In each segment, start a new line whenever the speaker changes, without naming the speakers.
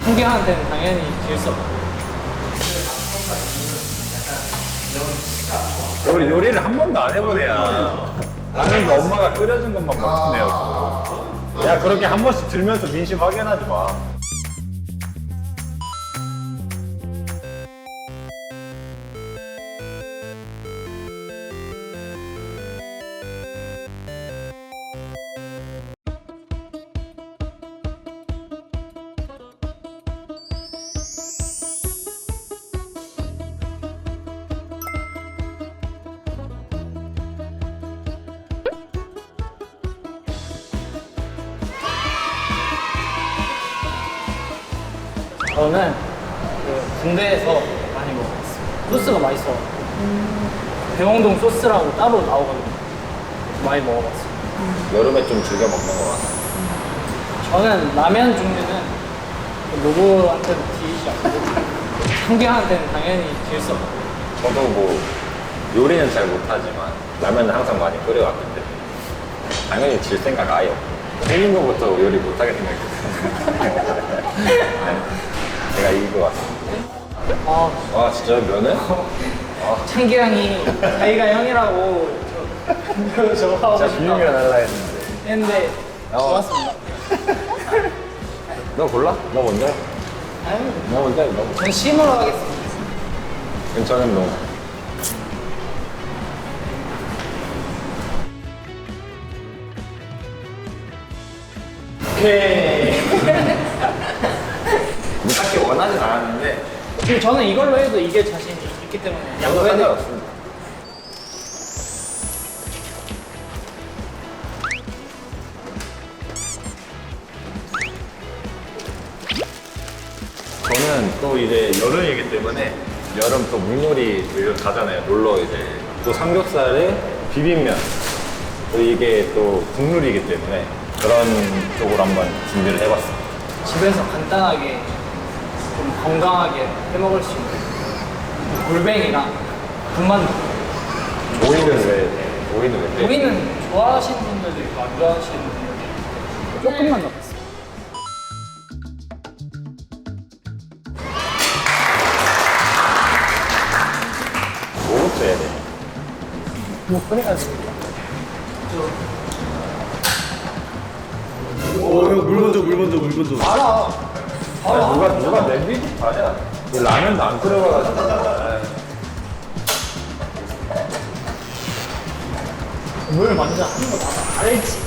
상대한테는 당연히 질 수 없고.
우리 요리를 한 번도 안 해본 애야. 라면도 엄마가 끓여준 것만 먹는 애였고. 야, 그렇게 한 번씩 들면서 민심 확인하지 마.
저는 그 군대에서 많이 먹었어요. 소스가 맛있어. 대홍동 소스라고 따로 나오거든요. 많이 먹어봤어요.
여름에 좀 즐겨 먹는 거 같아.
저는 라면 종류는 누구한테도 지지 않고 상대한테는 당연히 질 수 없고.
저도 뭐 요리는 잘 못하지만 라면은 항상 많이 끓여왔기 때문에 당연히 질 생각 아예 없고 생긴 거부터 요리 못하게 생각했어요. 제가 이길 것 같습니다. 아 진짜 면은?
창기양이 자기가 형이라고 저하고
진짜 비빔면 할라 했는데.
했는데 좋았습니다.
너 골라? 너 먼저 해.
아유,
너 먼저 해. 너 먼저.
전 심으로 하겠습니다.
괜찮은 너.
오케이.
뭐 딱히 원하진 않았는데
근데 저는 이걸로 해도 이게 자신이 있기 때문에
양도
양보해야 돼요.
상관없습니다. 저는 또 이제 여름이기 때문에 여름 또 물놀이 가잖아요. 놀러 이제 또 삼겹살에 비빔면 또 이게 또 국룰이기 때문에 그런 쪽으로 한번 준비를 해봤습니다.
집에서 간단하게 좀 건강하게 해 먹을 수 있는 골뱅이랑 군만두.
오이는 왜?
오이는 좋아하시는 분들도 있고 안 좋아하시는 분들도 있고 조금만 넣었어요.
뭐부터 해야 돼?
뭐 그래가지고
형, 물 먼저, 물 먼저, 물 먼저.
알아.
누가 냄비부터 하냐? 이 라면도 안 끓여가지고.
물 먼저 하는 거 다 알지.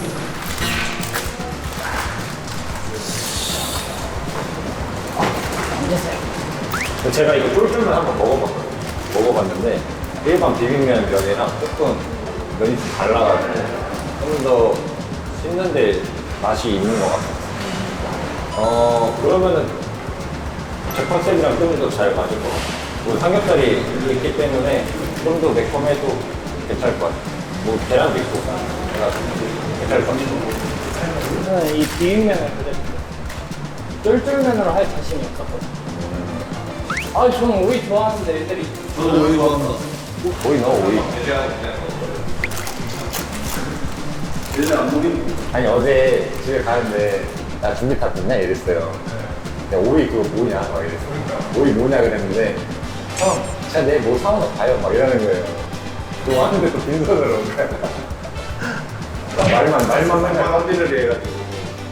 앉으세요.
제가 이거 쫄쫄면 한번 먹어봤는데 일반 비빔면 면이랑 조금 면이 좀 달라가지고 좀 더 씹는데 맛이 있는 것 같아요. 그러면은 제 컨셉이랑 좀 더 잘 맞을 것 같아요. 뭐 삼겹살이 있기 때문에 좀 더 매콤해도 괜찮을 것 같아요. 뭐 계란도 있고 그래가지고 괜찮을 것 같아요.
저는 이 비빔면을 그대로 쫄쫄면으로 할 자신이 없었거든요. 아, 저는 오이 좋아하는데 애들이
저도 오이 좋아한다.
오이 넣어 오이.
얘네 안 먹인.
아니 어제 집에 가는데 나 준비 다 됐냐 이랬어요. 야, 오이 그거 뭐냐 막 이랬어. 오이 뭐냐 그랬는데 형 진짜 내일 뭐 사오나 봐요 막 이러는 거예요. 또 왔는데 또 빈손으로 온 거야. 말만 맨날 깜비를 해가지고.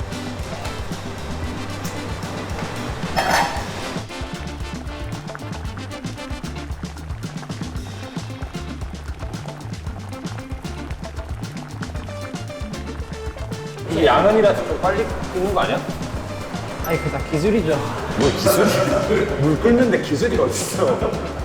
이게 양은이라서 좀 빨리 끓는 거 아니야?
아니 그 다 기술이죠.
뭐 기술이? 물 끓는데 기술이 어딨어?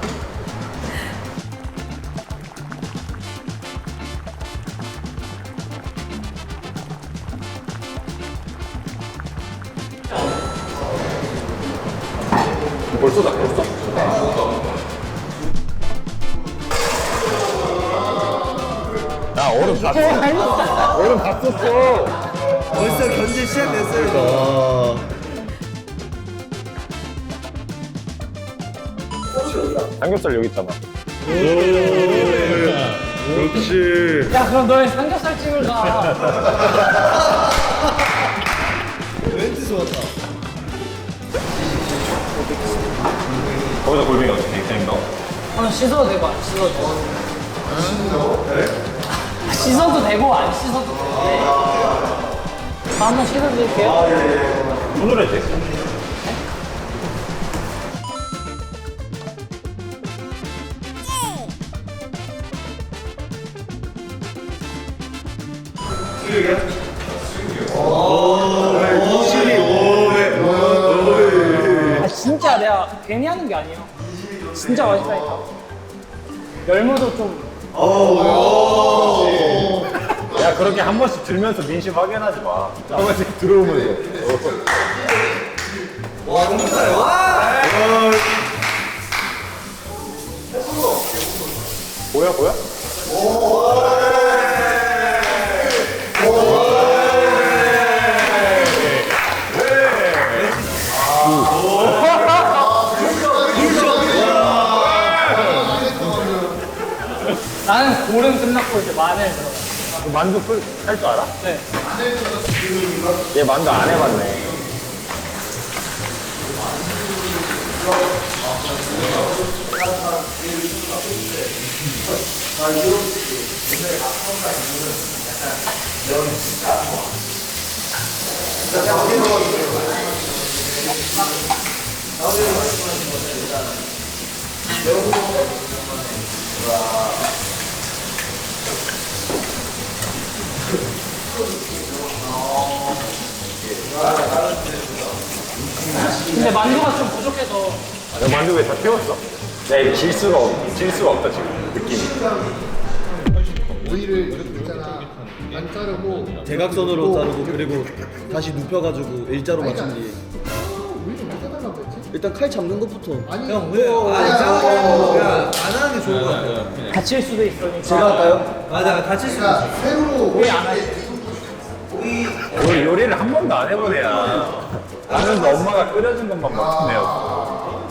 벌써 다 끓었어? 나 얼음 다 썼어. 얼음 다 썼어.
벌써 견제 시작됐어요.
삼겹살 여기 있잖아.
그렇지.
야 그럼 너의 삼겹살 집을 가.
멘트 좋았다.
거기서 골뱅이 어떻게 생긴 거?
한번 씻어도 되고 안 씻어도 되고. 씻어도 되고 안 씻어도 되는데. 한번 씻어드릴게요.
손으로 해도 돼.
아, 진짜 내가 괜히 하는 게 아니에요. 진짜 맛있다니까. 열무도 좀.
야, 그렇게 한 번씩 들면서 민심 확인하지 마. 한 번씩 들어오면서. 보여, 보여?
나는 고름 끝났고 이제 마늘 들어가.
만두 할 줄 알아?
네.
얘 만두 안 해봤네.
근데 만두가 좀 부족해서.
야, 만두 왜 다 태웠어? 야, 이거 질 수가 없다, 지금. 느낌이.
오이를 이렇게 있잖아. 안 자르고
대각선으로 자르고 그리고 다시 눕혀가지고 일자로 맞춘 뒤에
오이를 왜 자르려고 했지?
일단 칼 잡는 것부터.
아니
형 왜? 안 하는 게 좋은 거 같아요.
다칠 수도 있으니까.
제가 할까요? 맞아, 다칠 수 있어.
그러니까 새로
왜 안 하지?
우리 요리를 한 번도 안 해본 애야. 라면도 엄마가 끓여준 것만 먹던 애였어.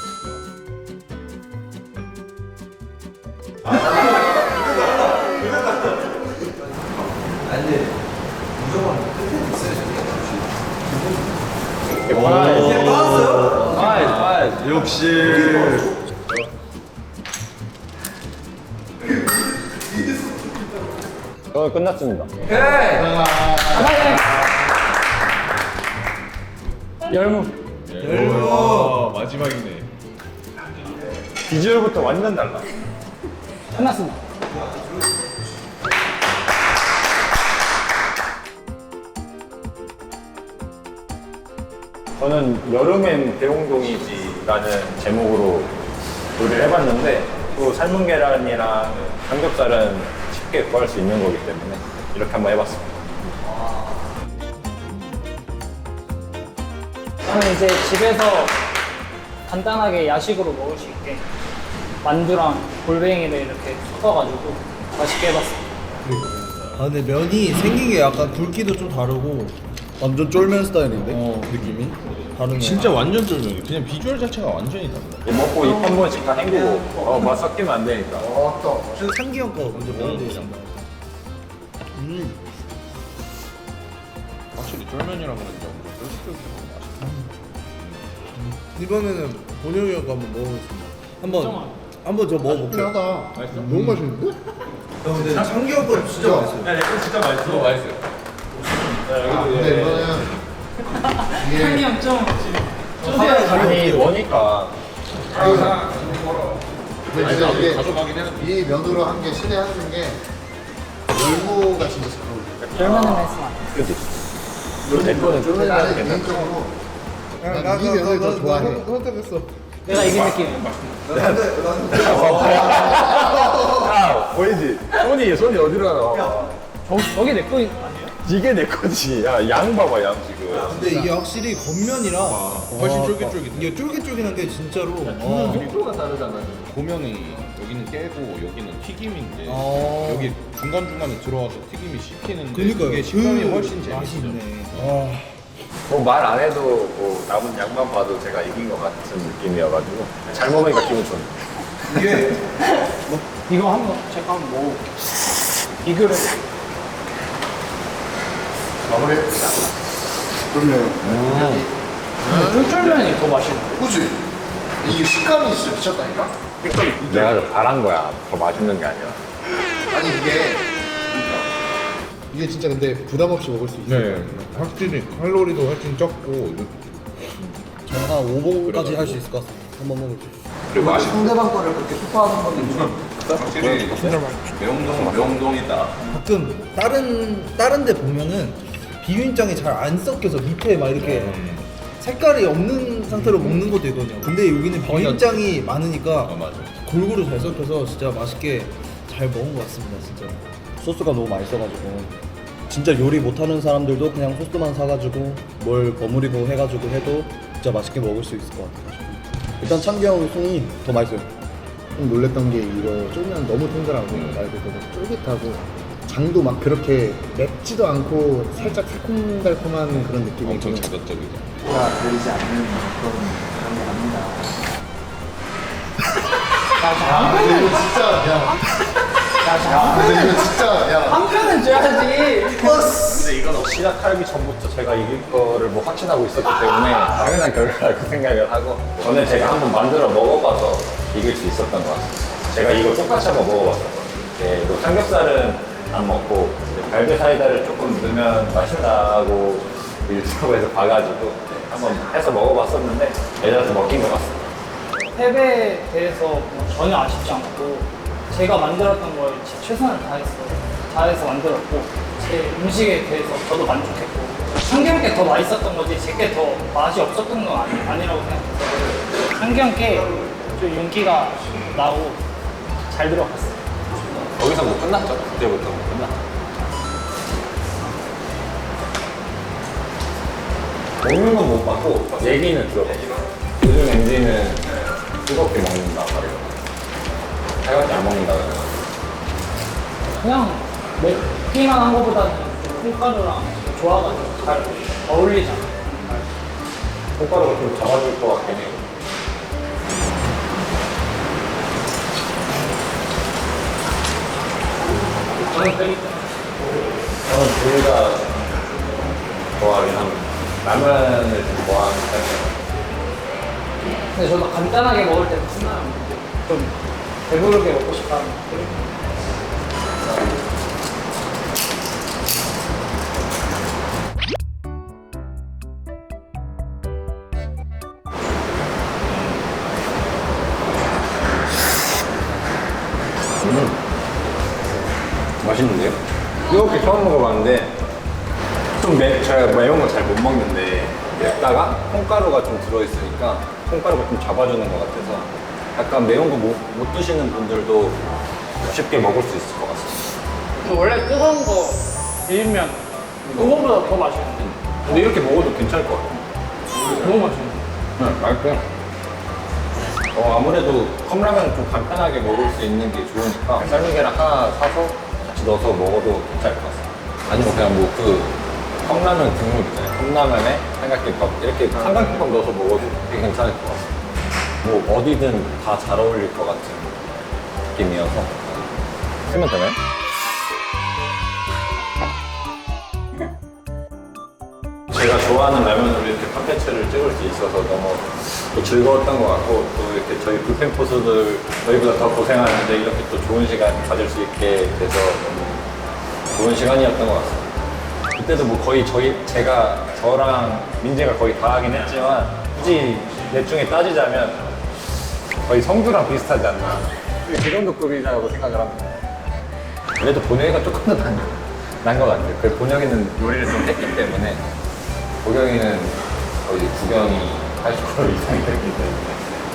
역시.
끝났습니다.
열무.
마지막이네.
비주얼부터 완전 달라.
끝났습니다.
저는 여름엔 대홍동이지라는 제목으로 요리를 해봤는데 또 삶은 계란이랑 삼겹살은 쉽게 구할 수 있는 거기 때문에 이렇게 한번 해봤습니다.
저는 이제 집에서 간단하게 야식으로 먹을 수 있게 만두랑 골뱅이를 이렇게 섞어가지고 맛있게 해봤습니다.
아 근데 면이 생긴 게 약간 굵기도 좀 다르고 완전 쫄면 스타일인데 느낌이 다르네.
진짜 완전 쫄면이 그냥 비주얼 자체가 완전히 달라.
먹고 입 한 번씩 다 헹구고 맛 섞이면 안 되니까.
저는 상기 형 거 먼저 먹어보겠습니다.
확실히 쫄면이라 그런지 엄청 쫄깃쫄깃하고 맛있다.
이번에는 본영이 형 거 한번 먹어보겠습니다. 한번 저 먹어볼게요.
하다. 너무 맛있는데?
근데 상기 형 거 진짜 맛있어요.
근데 이거는
향이 엄청
아니 뭐니까.
근데 진짜 이게
가져가긴 했는데.
이 면으로 한 게 신의 한 수인 게 열무가 진짜 잘 어울려.
열무는 했으면 안 돼.
그지? 내 거는 쫄면
나는
하겠다.
개인적으로 난이 면을 더 좋아해.
선택했어.
내가 이긴 느낌.
야 보이지? 손이 어디로 가나?
저게 내 거 아니에요?
이게 내 거지. 야 양 봐봐 양 지금.
근데 이게 확실히 겉면이라
훨씬 쫄깃쫄깃해.
이게 쫄깃쫄깃한 게 진짜로.
속도가 다르잖아. 고명이 여기는 깨고 여기는 튀김인데
아.
여기 중간중간에 들어와서 튀김이 씹히는데
그러니까요.
그게 식감이
그
훨씬 재밌어.
맛이 있네.
뭐 말 안 해도 뭐 남은 양만 봐도 제가 이긴 것 같은 느낌이어가지고 잘 먹으니까 기분 좋네.
이게
이거 한번 제가 한번 먹어. 비교를.
마무리. 그럼요.
쫄쫄면이 더 맛있는데.
그치? 이게 식감이 진짜 미쳤다니까?
내가 더 바란 거야. 더 맛있는 게 아니라.
아니 이게 진짜 근데 부담 없이 먹을 수 있어.
네, 확실히 칼로리도 훨씬 적고
저는 한 5봉까지 할 수 있을 것 같습니다. 한번 먹을게요.
그리고 맛이
상대방 거를 그렇게 소화하는 거는
확실히 매운동이다.
가끔 다른 데 보면은 비빔장이 잘 안 섞여서 밑에 막 이렇게 색깔이 없는 상태로 먹는 것도 있거든요. 근데 여기는 비빔장이 많으니까
맞아.
골고루 잘 섞여서 진짜 맛있게 잘 먹은 것 같습니다. 진짜 소스가 너무 맛있어가지고 진짜 요리 못하는 사람들도 그냥 소스만 사가지고 뭘 버무리고 해가지고 해도 진짜 맛있게 먹을 수 있을 것 같아요. 일단 창기 형 손이 더 맛있어요.
좀 놀랬던 게 이거 쫄면 너무 통들하고 말 그대로 쫄깃하고 장도 막 그렇게 맵지도 않고 살짝 새콤달콤한 그런 느낌이
엄청
있고
자극적이죠.
들리지 않는 그런 게 아닙니다.
아 근데 이거 진짜 근데 이거 진짜
한 편은 줘야지.
근데 이건 시작하기 전부터 제가 이길 거를 뭐 확신하고 있었기 때문에 당연한 결과라고 생각을 하고 저는 제가 한번 만들어 먹어봐서 이길 수 있었던 것 같아요. 제가 이거 똑같이 한번 먹어봤었거든요. 네, 이거 삼겹살은 안 먹고 이제 갈비 사이다를 조금 넣으면 맛있다고 유튜브에서 봐가지고 한번 해서 먹어봤었는데 애들한테 먹힌 것 같습니다.
패배에 대해서 뭐 전혀 아쉽지 않고 제가 만들었던 걸 제 최선을 다했어요. 다해서 만들었고 제 음식에 대해서 저도 만족했고 한경께 더 맛있었던 거지 제게 더 맛이 없었던 건 아니라고 생각해서 한경께 좀 윤기가 나고 잘 들어갔어요.
거기서 뭐 끝났죠? 그때부터 뭐 끝났죠. 먹는 건 못 봤고 얘기는 들어봤어요. 요즘 MZ는 뜨겁게 먹는다 말이에요. 살갑게 안 먹는다 그래요.
그냥 맵기만 한 거보다는 콩가루랑 조화가지고 잘 어울리잖아.
콩가루가 좀 잡아줄 것 같긴 해요.
저는 그리
저는 둘 다 좋아하긴 합니다. 라면을 좀 좋아하는 편이에요.
근데 저도 간단하게 먹을 때는 신나요. 좀 배부르게 먹고 싶다는 느낌.
맛있는데요? 이렇게 처음 먹어봤는데 제가 매운 거 잘 못 먹는데 맵다가 콩가루가 좀 들어있으니까 콩가루가 좀 잡아주는 것 같아서 약간 매운 거 못 드시는 분들도 쉽게 먹을 수 있을 것 같습니다.
원래 뜨거운 거 비빔면 그거보다 더 맛있는데
근데 이렇게 먹어도 괜찮을 것 같아요.
너무 맛있는데.
네, 맛있고요. 아무래도 컵라면 좀 간편하게 먹을 수 있는 게 좋으니까 삶은 계란 하나 사서 같이 넣어서 먹어도 괜찮을 것 같습니다. 아니면 그냥 뭐 그 컵라면 국물 있잖아요. 컵라면에 삼각김밥 이렇게 삼각김밥 넣어서 먹어도 되게 괜찮을 것 같습니다. 뭐 어디든 다 잘 어울릴 것 같은 느낌이어서 쓰면 되나요? 제가 좋아하는 라면으로 이렇게 콘텐츠를 찍을 수 있어서 너무 또 즐거웠던 것 같고 또 이렇게 저희 불펜 포수들 저희보다 더 고생하는데 이렇게 또 좋은 시간 가질 수 있게 돼서 너무 좋은 시간이었던 것 같습니다. 그때도 뭐 거의 저랑 민재가 거의 다 하긴 했지만 굳이 넷 중에 따지자면 거의 성주랑 비슷하지 않나 그 정도 급이라고 생각을 합니다. 그래도 본영이가 조금 더 난 것 같아요. 그 본영이는 요리를 좀 했기 때문에 보경이는 거의 구경이 80% 이상이 됐기 때문에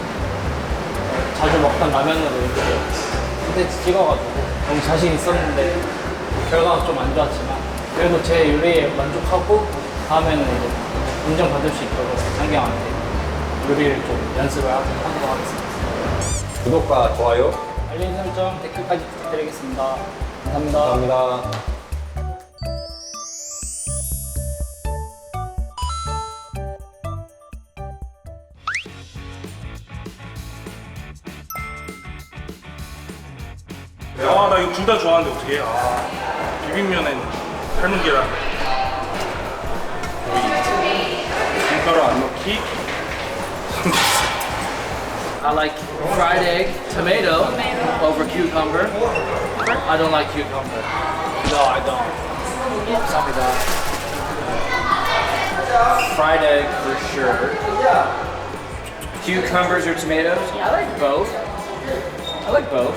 자주 먹던 라면으로 이렇게 콘텐츠 찍어가지고 너무 자신 있었는데 결과가 좀 안 좋았지만 그래도 제 요리에 만족하고 다음에는 이제 인정받을 수 있도록 장경한테 요리를 좀 연습을 하도록 하겠습니다.
구독과 좋아요
알림 설정, 댓글까지 부탁드리겠습니다. 감사합니다.
감사합니다.
아, 나 이거 둘 다 좋아하는데 어떻게 해? 아, 비빔면엔 삶은 계란. 밀가루 안 넣기.
I like fried egg, tomato over cucumber. I don't like cucumber.
No, I don't.
Fried egg for sure. Cucumbers or tomatoes? I like both. I like both.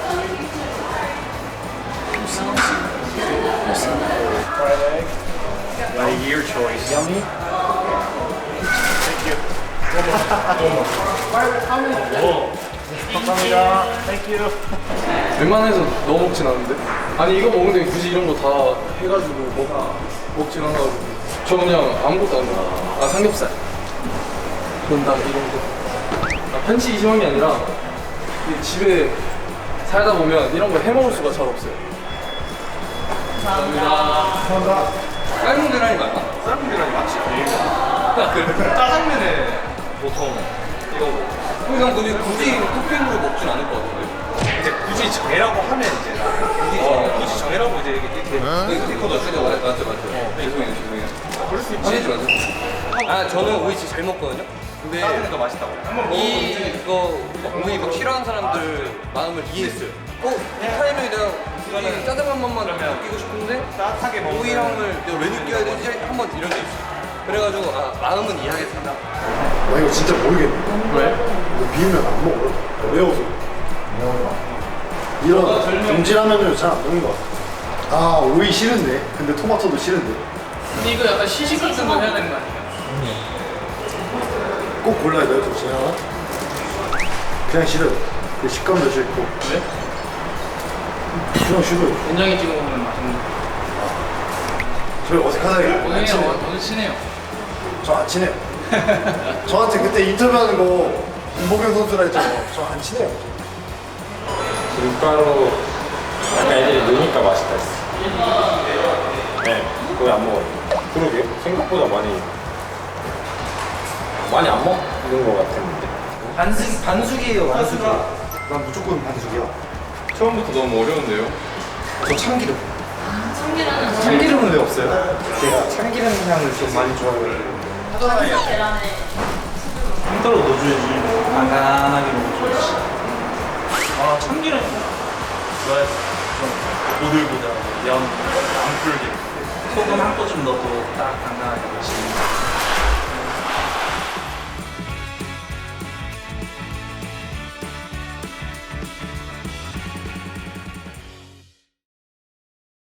Fried egg.
Like your choice.
Yummy. 감사합니다. Thank you.
웬만해서 넣어 먹진 않는데. 아니 이거 먹는데 굳이 이런 거 다 해가지고 먹진 않아가지고. 저 그냥 아무것도 안 넣어. 아 삼겹살. 건담 이런 거. 아, 편식이 심한 게 아니라 이 집에 살다 보면 이런 거 해 먹을 수가 잘 없어요. 감사합니다. 삶은 계란이 맞나? 삶은 계란이 맞지. 짜장면에 보통 이거 그냥 굳이 토핑으로 먹진 않을 것 같은데.
이제 굳이 정해라고 하면 이제 굳이 정해라고 이제 이렇게
이거 맞죠. 죄송해요.
그럴 수 있지.
화내지 마세요. 아 저는 오이 진짜 잘 먹거든요. 근데
짜증도 맛있다고.
이거 오이 막 싫어하는 사람들 마음을 이해했어요. 이 타이밍에 내가 이 짜장면 맛만 느끼고 싶은데
따뜻하게 먹으면
오이 향을 내가 왜 느껴야 되지? 한번 이런 게 있어. 그래가지고 마음은 이해하겠습니다.
나 이거 진짜 모르겠네.
왜?
이거 비우면 안 먹어요. 매워서. 이런 동질라면을 잘 안 먹는 것 같아. 아, 오이 싫은데? 근데 토마토도 싫은데?
근데 이거 약간 시식 같은 거 해야 되는 거 아니에요?
꼭 골라야 돼요, 둘 중에 하나? 그냥 싫어요. 그 식감도 싫고.
왜?
그냥 싫어요.
된장에 찍어 먹으면 맛있는 거.
저희 어색하다.
오늘 친해요.
저 안 친해요. 저한테 그때 인터뷰하는 거 김보경 선수라 했잖아요. 저 안 친해요.
밀가루 약간 애들이 넣으니까 맛있다 했어. 네, 거의 안 먹어요. 그러게요. 생각보다 많이 안 먹는 것 같았는데.
반숙이에요, 반숙이.
난 무조건 반숙이야.
처음부터 너무 어려운데요.
저 참기름. 참기름은 왜 없어요? 제가 참기름 향을 좀 많이 좋아해요.
힘들어 넣어줘야지. 간간하게 먹어줘야지. 아, 참기름 좋아했어. 좀 보들보들하고 안 풀게. 소금 한 꼬집 넣어도 딱 간간하게 맛있는.